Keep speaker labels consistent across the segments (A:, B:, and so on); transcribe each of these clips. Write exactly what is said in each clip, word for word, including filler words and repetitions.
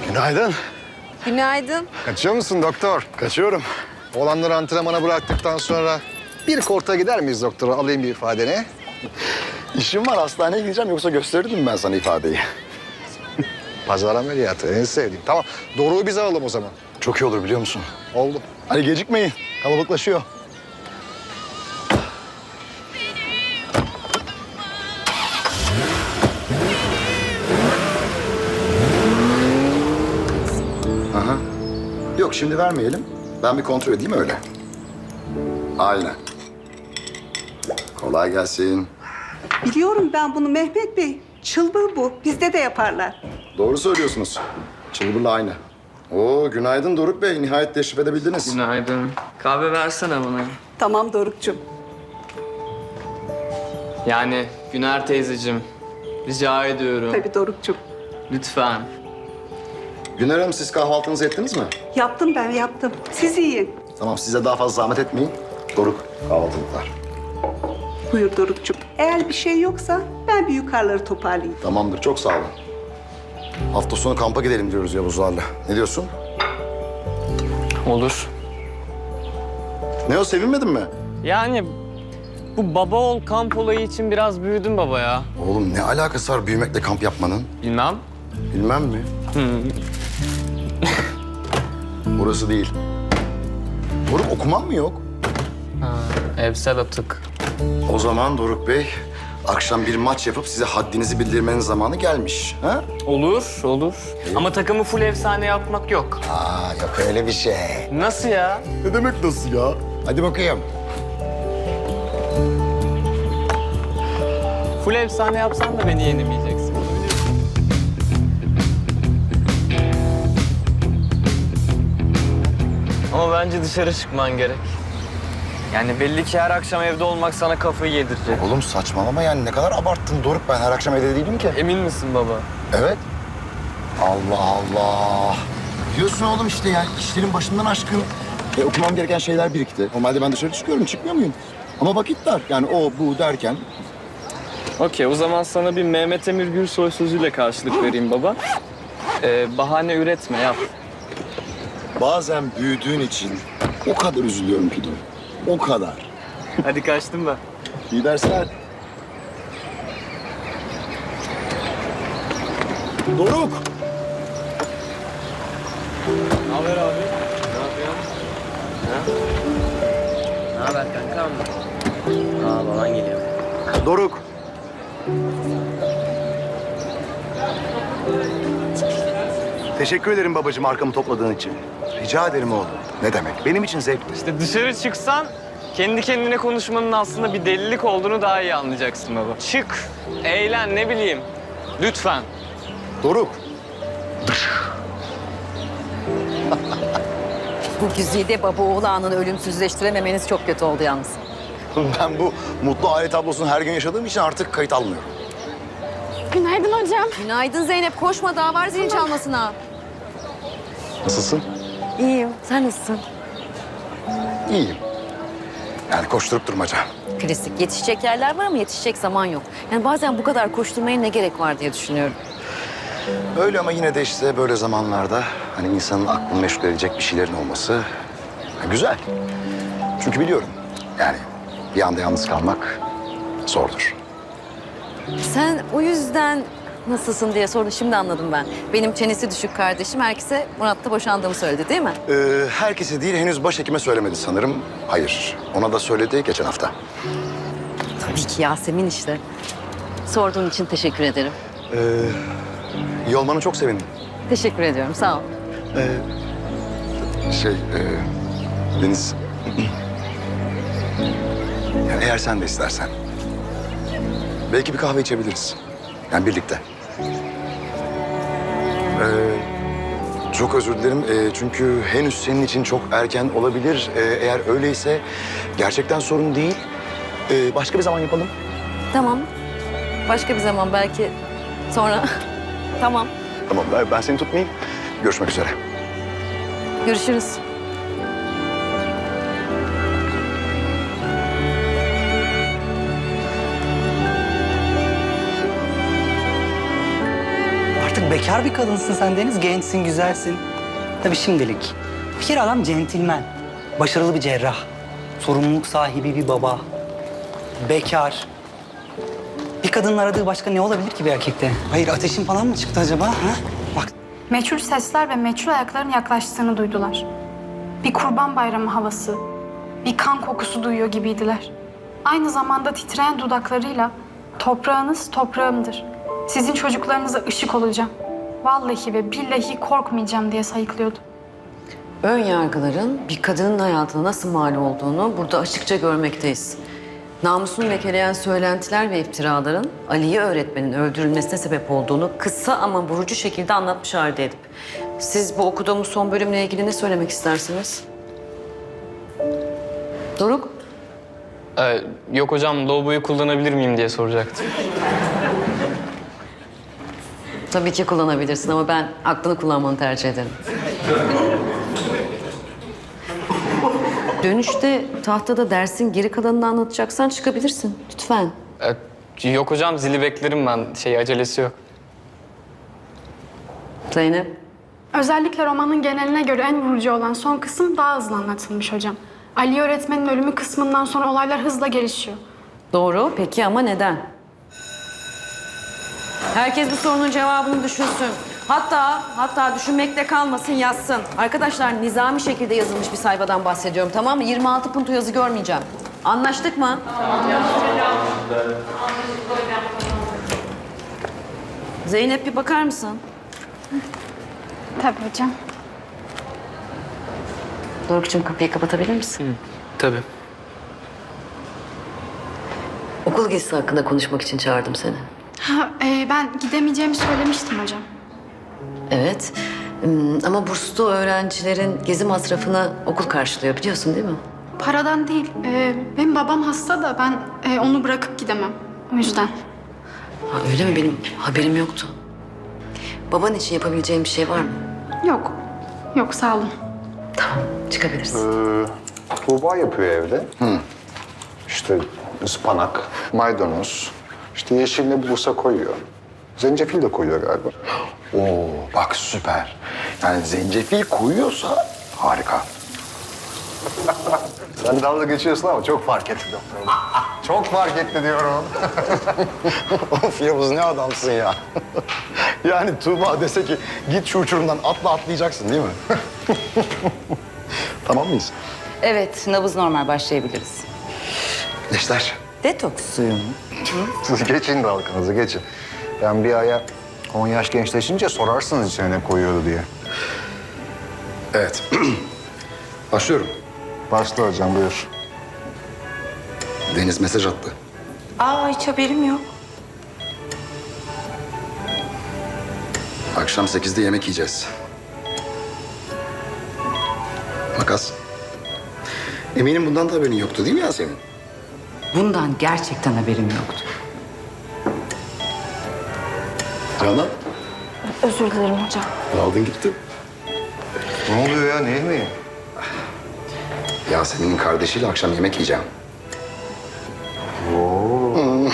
A: Günaydın.
B: Günaydın.
A: Kaçıyor musun doktor?
C: Kaçıyorum.
A: Oğlanları antrenmana bıraktıktan sonra bir korta gider miyiz doktor? Alayım bir ifadeni.
C: İşim var, hastaneye gideceğim yoksa gösterirdim ben sana ifadeyi.
A: Pazar ameliyatı en sevdiğim. Tamam, Doruk'u bize alalım o zaman.
C: Çok iyi olur biliyor musun?
A: Oldu.
C: Hadi gecikmeyin, kalabalıklaşıyor. Aha. Yok şimdi vermeyelim. Ben bir kontrol edeyim öyle. Aynen. Kolay gelsin.
D: Biliyorum ben bunu Mehmet Bey. Çılbır bu. Bizde de yaparlar.
C: Doğru söylüyorsunuz. Çılbırla aynı. Oo günaydın Doruk Bey. Nihayet teşrif edebildiniz.
E: Günaydın. Kahve versene bana.
D: Tamam Doruk'cum.
E: Yani Güner teyzeciğim, rica ediyorum.
D: Tabii Doruk'cum.
E: Lütfen.
C: Güner Hanım siz kahvaltınızı ettiniz mi?
D: Yaptım ben yaptım. Siz yiyin.
C: Tamam size daha fazla zahmet etmeyin. Doruk kahvaltılıklar.
D: Buyur Doruk'cum. Eğer bir şey yoksa ben bir yukarıları toparlayayım.
C: Tamamdır çok sağ olun. Hafta sonu kampa gidelim diyoruz Yavuzlarla. Ne diyorsun?
E: Olur.
C: Ne o sevinmedin mi?
E: Yani bu baba oğul kamp olayı için biraz büyüdüm baba ya.
C: Oğlum ne alakası var büyümekle kamp yapmanın?
E: Bilmem.
C: Bilmem mi? Burası değil. Doruk okuman mı yok?
E: Ha, evsel atık.
C: O zaman Doruk Bey akşam bir maç yapıp size haddinizi bildirmenin zamanı gelmiş. Ha?
E: Olur, olur. Ama takımı full efsane yapmak yok.
C: Aa yok öyle bir şey.
E: Nasıl ya?
C: Ne demek nasıl ya? Hadi bakayım.
E: Full efsane yapsan da beni yenemeyeceksin. Ama bence dışarı çıkman gerek. Yani belli ki her akşam evde olmak sana kafayı yedirecek.
C: Oğlum saçmalama yani ne kadar abarttın Doruk. Ben her akşam evde değilim ki.
E: Emin misin baba?
C: Evet. Allah Allah. Biliyorsun oğlum işte yani işlerin başından aşkın. E, okumam gereken şeyler birikti. Normalde ben dışarı çıkıyorum, çıkmıyor muyum? Ama vakit dar. Yani o, bu derken.
E: Okey, o zaman sana bir Mehmet Emir Gürsoy sözüyle karşılık vereyim baba. Ee, bahane üretme, yap.
C: Bazen büyüdüğün için o kadar üzülüyorum ki Doruk. O kadar.
E: Hadi kaçtım ben.
C: İyi dersler. Doruk.
E: Ne haber abi? Ne yapıyorsun? Ha? Ne haber kankam? Aa, baban geliyor.
C: Doruk. Teşekkür ederim babacığım arkamı topladığın için. Rica ederim oğlum. Ne demek? Benim için zevkli.
E: İşte dışarı çıksan kendi kendine konuşmanın aslında bir delilik olduğunu daha iyi anlayacaksın baba. Çık, eğlen, ne bileyim. Lütfen.
C: Doruk.
B: Bu güzide baba oğul anını ölümsüzleştirememeniz çok kötü oldu yalnız.
C: Ben bu mutlu aile tablosunu her gün yaşadığım için artık kayıt almıyorum.
B: Günaydın hocam. Günaydın Zeynep. Koşma daha var zilin çalmasına.
C: Nasılsın?
B: İyiyim. Sen nasılsın?
C: İyiyim. Yani koşturup durmaca.
B: Klasik. Yetişecek yerler var ama yetişecek zaman yok. Yani bazen bu kadar koşturmaya ne gerek var diye düşünüyorum.
C: Öyle ama yine de işte böyle zamanlarda hani insanın aklını meşgul edecek bir şeylerin olması ha, güzel. Çünkü biliyorum yani bir anda yalnız kalmak zordur.
B: Sen o yüzden nasılsın diye sordun. Şimdi anladım ben. Benim çenesi düşük kardeşim herkese Murat'la boşandığımı söyledi değil mi?
C: Ee, herkese değil henüz başhekime söylemedi sanırım. Hayır ona da söyledi geçen hafta.
B: Tabii ki Yasemin işte. Sorduğun için teşekkür ederim.
C: Ee, iyi olmanı çok sevindim.
B: Teşekkür ediyorum. Sağ ol.
C: Şey e, Deniz. Yani eğer sen de istersen. Belki bir kahve içebiliriz. Yani birlikte. Ee, çok özür dilerim. Ee, çünkü henüz senin için çok erken olabilir. Ee, eğer öyleyse gerçekten sorun değil. Ee, başka bir zaman yapalım.
B: Tamam. Başka bir zaman belki sonra. Tamam.
C: Tamam ben, ben seni tutmayayım. Görüşmek üzere.
B: Görüşürüz.
F: bekar bir kadınsın sen Deniz. Gençsin, güzelsin. Tabii şimdilik. Bir kere adam centilmen. Başarılı bir cerrah. Sorumluluk sahibi bir baba. Bekar. Bir kadının aradığı başka ne olabilir ki bir erkekte? Hayır, ateşin falan mı çıktı acaba? Ha? Bak,
G: Meçhul sesler ve meçhul ayakların yaklaştığını duydular. Bir kurban bayramı havası, bir kan kokusu duyuyor gibiydiler. Aynı zamanda titreyen dudaklarıyla toprağınız toprağımdır. Sizin çocuklarınıza ışık olacağım. Vallahi ve billahi korkmayacağım diye sayıklıyordu.
B: Ön yargıların bir kadının hayatına nasıl mal olduğunu burada açıkça görmekteyiz. Namusunu lekeleyen söylentiler ve iftiraların Aliye öğretmenin öldürülmesine sebep olduğunu kısa ama vurucu şekilde anlatmış halde edip. Siz bu okuduğumuz son bölümle ilgili ne söylemek istersiniz? Doruk?
E: Ee, yok hocam, lavaboyu kullanabilir miyim diye soracaktım.
B: Tabii ki kullanabilirsin ama ben aklını kullanmanı tercih ederim. Dönüşte tahtada dersin geri kalanını anlatacaksan çıkabilirsin. Lütfen.
E: Ee, yok hocam, zili beklerim ben. Şey, acelesi yok.
B: Zeynep.
G: Özellikle romanın geneline göre en vurucu olan son kısım daha hızlı anlatılmış hocam. Ali öğretmenin ölümü kısmından sonra olaylar hızla gelişiyor.
B: Doğru. Peki ama neden? Herkes bu sorunun cevabını düşünsün. Hatta, hatta düşünmekte kalmasın, yazsın. Arkadaşlar, nizami şekilde yazılmış bir sayfadan bahsediyorum, tamam mı? yirmi altı punto yazı görmeyeceğim. Anlaştık mı? Zeynep, bir bakar mısın?
G: Tabii hocam.
B: Doruk'cum, kapıyı kapatabilir misin?
E: Tabii.
B: Okul gezisi hakkında konuşmak için çağırdım seni.
G: Ha, e, ben gidemeyeceğimi söylemiştim hocam.
B: Evet. Hmm, ama burslu öğrencilerin gezi masrafını okul karşılıyor, biliyorsun değil mi?
G: Paradan değil. e, benim babam hasta da ben e, onu bırakıp gidemem. O yüzden.
B: Ha, öyle mi? Benim haberim yoktu. Baban için yapabileceğim bir şey var mı?
G: Yok. Yok, sağ olun.
B: Tamam, çıkabilirsin.
A: Tuğba yapıyor evde. İşte ıspanak, maydanoz, işte yeşil ne bulursa koyuyor. Zencefil de koyuyor galiba.
C: Oo bak süper. Yani zencefil koyuyorsa harika.
A: Sen dalga geçiyorsun ama çok fark etti doktorum. Çok fark etti diyorum.
C: Of Yavuz ne adamsın ya. Yani Tuğba dese ki git şu uçurumdan atla atlayacaksın değil mi? Tamam mıyız?
H: Evet, nabız normal, başlayabiliriz.
C: Gençler.
H: Detoks suyu mu?
A: Siz geçin dalganızı, geçin. Ben bir aya on yaş gençleşince sorarsınız içine ne koyuyordu diye.
C: Evet. Başlıyorum.
A: Başla hocam, buyur.
C: Deniz mesaj attı.
H: Aa, hiç haberim yok.
C: Akşam sekizde yemek yiyeceğiz. Makas. Eminim bundan da haberin yoktu değil mi Yasemin?
H: Bundan gerçekten haberim yoktu.
C: Canan,
G: Özür dilerim hocam.
C: aldın gittin.
A: Ne oluyor ya, ne yemeği?
C: Yasemin'in kardeşiyle akşam yemek yiyeceğim.
A: Oo.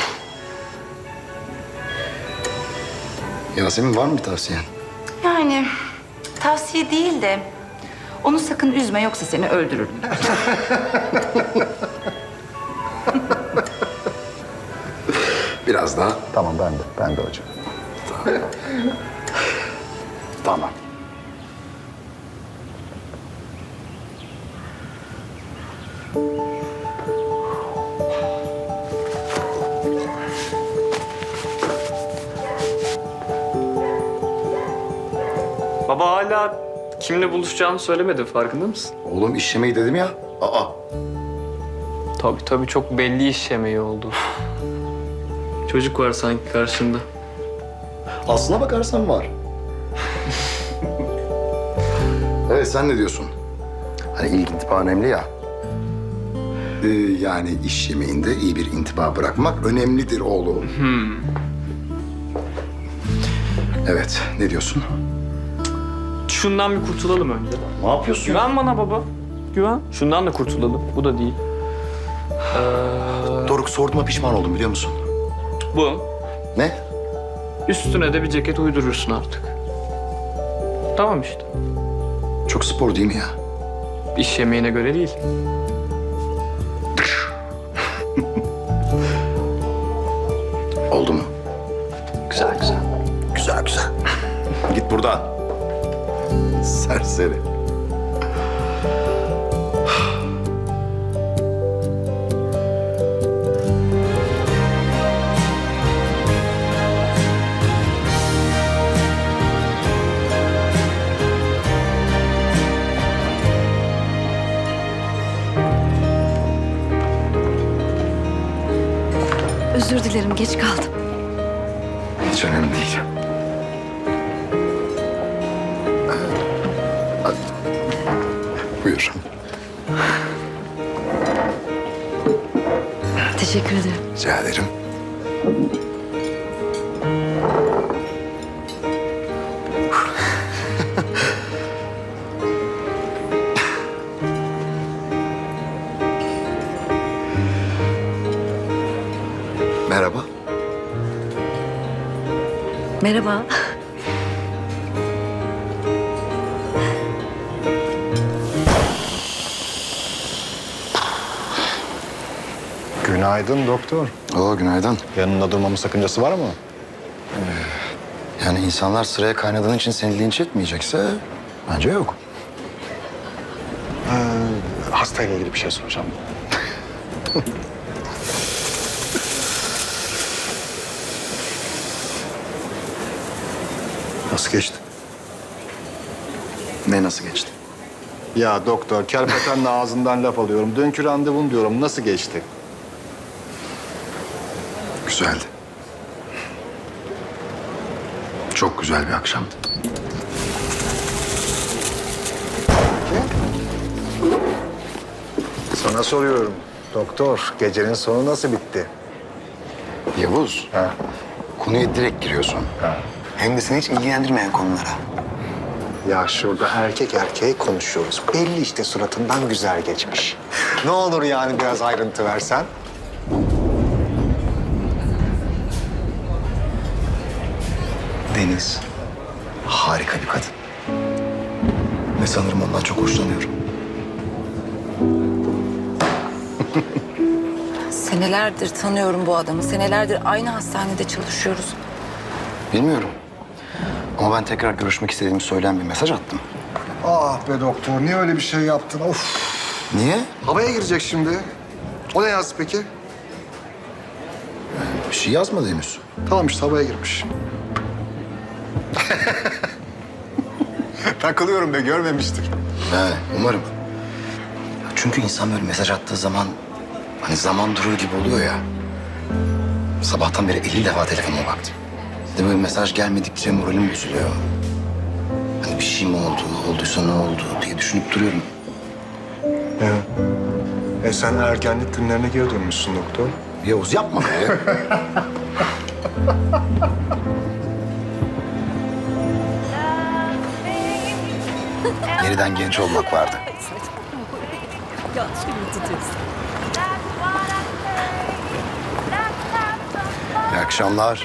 C: Yasemin var mı bir tavsiyen?
H: Yani tavsiye değil de onu sakın üzme yoksa seni öldürürüm.
C: Biraz daha.
A: Tamam, ben de, ben de hocam.
C: Tamam.
E: Baba hala kimle buluşacağını söylemedi, farkında mısın?
C: Oğlum iş yemeği dedim ya. Aa.
E: Tabii tabii, çok belli iş yemeği oldu. Çocuk var sanki karşında.
C: Aslına bakarsan var. Evet sen ne diyorsun? Hani ilk intiba önemli ya. Ee, yani iş yemeğinde iyi bir intiba bırakmak önemlidir oğlum. Evet ne diyorsun?
E: Şundan bir kurtulalım önce.
C: Ne yapıyorsun?
E: Güven bana baba. Güven. Şundan da kurtulalım. Bu da değil. Ee,
C: Doruk sorduğuma pişman oldum biliyor musun?
E: bu.
C: Ne?
E: Üstüne de bir ceket uydurursun artık. Tamam işte.
C: Çok spor değil mi ya?
E: İş yemeğine göre değil.
C: Oldu mu? Güzel güzel. Güzel güzel. Git buradan. Serseri.
B: Özür dilerim, geç kaldım.
C: Hiç önemli değil. Buyur.
B: Teşekkür ederim.
C: Rica ederim. Merhaba.
B: Merhaba.
A: Günaydın doktor.
C: Oo, günaydın.
A: Yanında durmamın sakıncası var mı?
C: Yani insanlar sıraya kaynadığın için seni linç etmeyecekse bence yok.
A: Hastayla ilgili bir şey soracağım. Nasıl geçti?
C: Ne nasıl geçti?
A: Ya doktor, kerpetenle ağzından laf alıyorum. Dünkü randevun diyorum. Nasıl geçti?
C: Güzeldi. Çok güzel bir akşamdı.
A: Sana soruyorum. Doktor, gecenin sonu nasıl bitti?
C: Yavuz,
A: Ha.
C: konuya direkt giriyorsun.
A: Ha.
C: Hem de seni hiç ilgilendirmeyen konulara.
A: Ya şurada erkek erkeğe konuşuyoruz. Belli işte suratından güzel geçmiş. Ne olur yani biraz ayrıntı versen.
C: Deniz, harika bir kadın. Ve sanırım ondan çok hoşlanıyorum.
I: Senelerdir tanıyorum bu adamı. Senelerdir aynı hastanede çalışıyoruz.
C: Bilmiyorum. Ama ben tekrar görüşmek istediğimi söyleyen bir mesaj attım.
A: Ah be doktor, niye öyle bir şey yaptın? Of.
C: Niye?
A: Havaya girecek şimdi. O ne yazdı peki?
C: Bir şey yazmadı henüz.
A: Tamam işte havaya girmiş. Takılıyorum be, görmemiştir.
C: He, umarım. Çünkü insan böyle mesaj attığı zaman hani zaman durur gibi oluyor ya. Sabahtan beri elli defa telefonuma baktım. Bir de böyle mesaj gelmedikçe moralim bozuluyor. Hani bir şey mi oldu, olduysa ne oldu diye düşünüp duruyorum.
A: Ya. E sen ergenlik günlerine geri dönmüşsün doktor.
C: Yavuz yapma be. Yeniden genç olmak vardı. İyi akşamlar.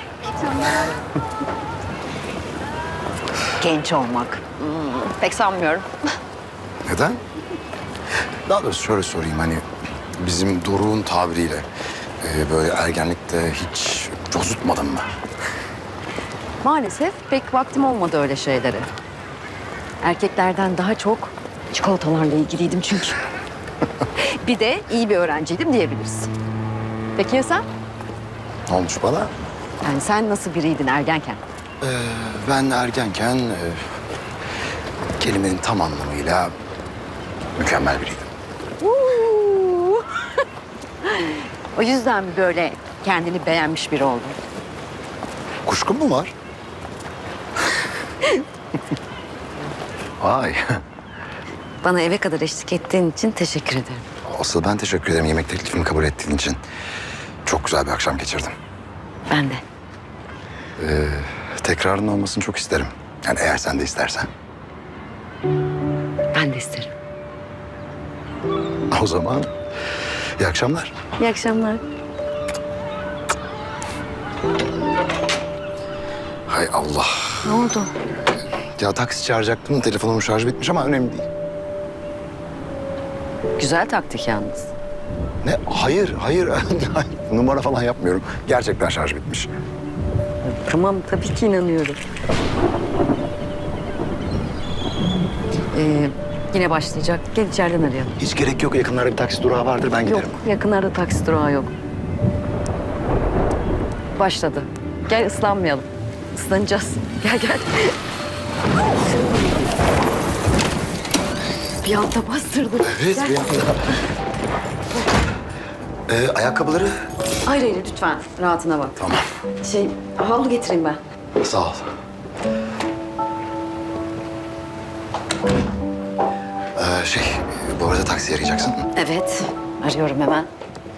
B: Genç olmak. Hmm, pek sanmıyorum.
C: Neden? Daha doğrusu şöyle sorayım hani bizim Doruk'un tabiriyle e, böyle ergenlikte hiç cozutmadın mı?
B: Maalesef pek vaktim olmadı öyle şeylere. Erkeklerden daha çok çikolatalarla ilgiliydim çünkü. Bir de iyi bir öğrenciydim diyebiliriz. Peki ya sen?
C: Ne olmuş bana?
B: Yani sen nasıl biriydin ergenken?
C: Ee, ben ergenken e, kelimenin tam anlamıyla mükemmel biriydim.
B: Uuu. O yüzden mi böyle kendini beğenmiş biri oldun?
C: Kuşkun mu var? Vay.
B: Bana eve kadar eşlik ettiğin için teşekkür ederim.
C: Asıl ben teşekkür ederim yemek teklifimi kabul ettiğin için. Çok güzel bir akşam geçirdim.
B: Ben de.
C: Ee, tekrarının olmasını çok isterim. Yani eğer sen de istersen.
B: Ben de isterim.
C: O zaman iyi akşamlar.
B: İyi akşamlar.
C: Hay Allah.
B: Ne oldu?
C: Ya taksi çağıracaktım, telefonumun şarjı bitmiş ama önemli değil.
B: Güzel taktik yalnız.
C: Ne? Hayır, hayır. Hayır. Numara falan yapmıyorum. Gerçekten şarj bitmiş.
B: Tamam, tabii ki inanıyorum. Ee, yine başlayacak. Gel içeriden arayalım.
C: Hiç gerek yok. Yakınlarda bir taksi durağı vardır. Ben giderim.
B: Yok, yakınlarda taksi durağı yok. Başladı. Gel ıslanmayalım. Islanacağız. Gel gel. Bir anda bastırdım.
C: Evet,
B: Gel.
C: bir anda. Ee, ayakkabıları?
B: Hayır hayır lütfen rahatına bak.
C: Tamam.
B: Şey havlu getireyim ben.
C: Sağ ol. Ee, şey, bu arada taksi arayacaksın.
B: Evet arıyorum hemen.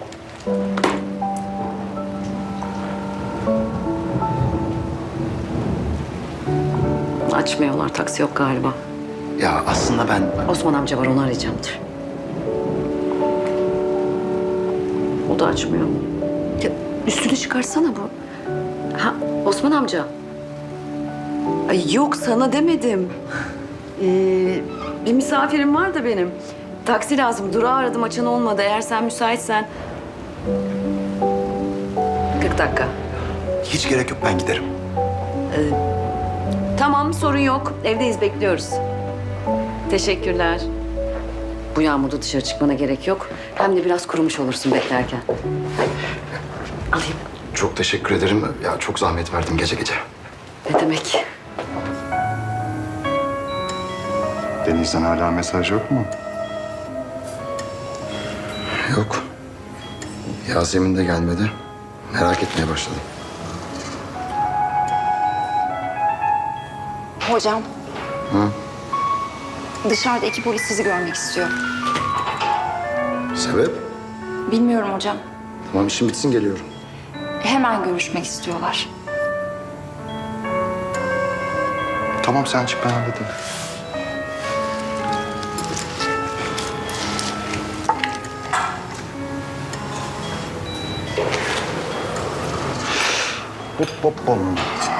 B: Açmıyorlar, taksi yok galiba.
C: Ya aslında ben...
B: Osman amca var, onu arayacağımdır. O da açmıyor. Ya, üstünü çıkarsana bu. Ha, Osman amca. Ay yok, sana demedim. Ee, bir misafirim var da benim. Taksi lazım. Durağı aradım, açan olmadı. Eğer sen müsaitsen... kırk dakika.
C: Hiç gerek yok, ben giderim.
B: Tamam, sorun yok. Evdeyiz, bekliyoruz. Teşekkürler. Bu yağmurda dışarı çıkmana gerek yok. Hem de biraz kurumuş olursun beklerken. Alayım.
C: Çok teşekkür ederim. Ya çok zahmet verdim gece gece.
B: Ne demek?
A: Deniz'den hala mesaj yok mu?
C: Yok. Yasemin de gelmedi. Merak etmeye başladım.
I: Hocam,
C: Hı?
I: dışarıda iki polis sizi görmek istiyor.
C: Sebep?
I: Bilmiyorum hocam.
C: Tamam, işim bitsin geliyorum.
I: Hemen görüşmek istiyorlar.
A: Tamam sen çık, ben halledeyim. Hop hop bom.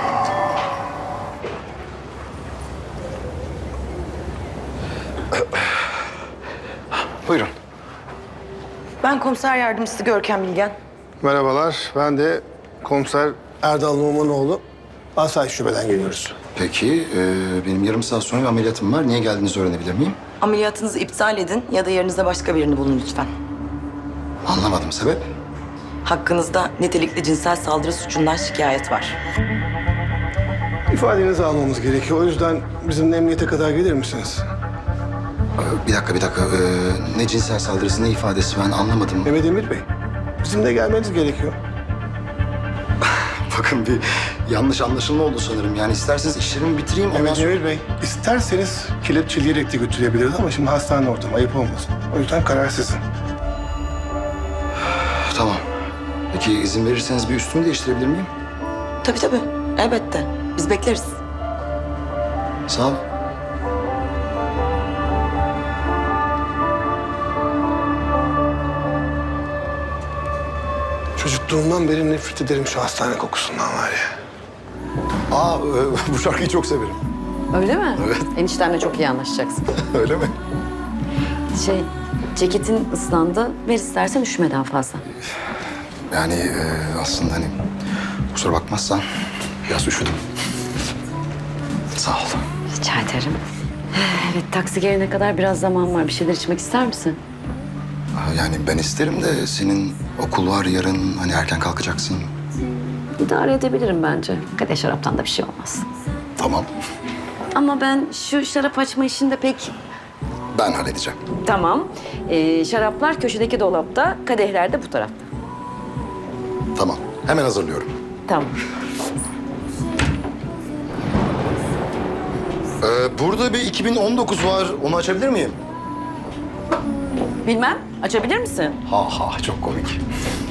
C: Buyurun.
J: Ben komiser yardımcısı Görkem Bilgen.
K: Merhabalar, ben de komiser Erdal Numanoğlu. Asayiş Şube'den geliyoruz.
C: Peki, e, benim yarım saat sonra bir ameliyatım var. Niye geldiğinizi öğrenebilir miyim?
J: Ameliyatınızı iptal edin ya da yerinizde başka birini bulun lütfen.
C: Anlamadım, sebep?
J: Hakkınızda nitelikli cinsel saldırı suçundan şikayet var.
K: İfadenizi almamız gerekiyor. O yüzden bizimle emniyete kadar gelir misiniz?
C: Ee, Bir dakika, bir dakika. Ee, ne cinsel saldırısı, ne ifadesi ben anlamadım.
K: Mehmet Emir Bey, bizimle gelmeniz gerekiyor.
C: Bakın bir yanlış anlaşılma oldu sanırım. Yani isterseniz işlerimi bitireyim. Ondan
K: Mehmet
C: sonra...
K: Emir Bey, isterseniz kelepçeleyerek de götürebiliriz ama şimdi hastane ortamı, ayıp olmasın. O yüzden karar sizin.
C: Tamam. Peki izin verirseniz bir üstümü değiştirebilir miyim?
J: Tabii tabii, elbette. Biz bekleriz.
C: Sağ ol.
K: Çocukluğumdan beri nefret ederim şu hastane kokusundan var ya.
C: Aa, e, bu şarkıyı çok severim.
B: Öyle mi?
C: Evet.
B: Eniştemle çok iyi anlaşacaksın.
C: Öyle mi?
B: Şey, ceketin ıslandı. Ver istersen üşümeden fazla.
C: Yani e, aslında hani kusura bakmazsan biraz üşüdüm. Sağ ol.
B: Rica ederim. Evet, taksi gelene kadar biraz zaman var. Bir şeyler içmek ister misin?
C: Aa, Yani ben isterim de senin okul var yarın, hani erken kalkacaksın.
B: İdare edebilirim bence. Kadeh şaraptan da bir şey olmaz.
C: Tamam.
B: Ama ben şu şarap açma işinde pek...
C: Ben halledeceğim.
B: Tamam. Ee, şaraplar köşedeki dolapta, kadehler de bu tarafta.
C: Tamam. Hemen hazırlıyorum.
B: Tamam.
C: Ee, burada bir iki bin on dokuz var. Onu açabilir miyim?
B: Bilmem, açabilir misin?
C: Ha ha, çok komik.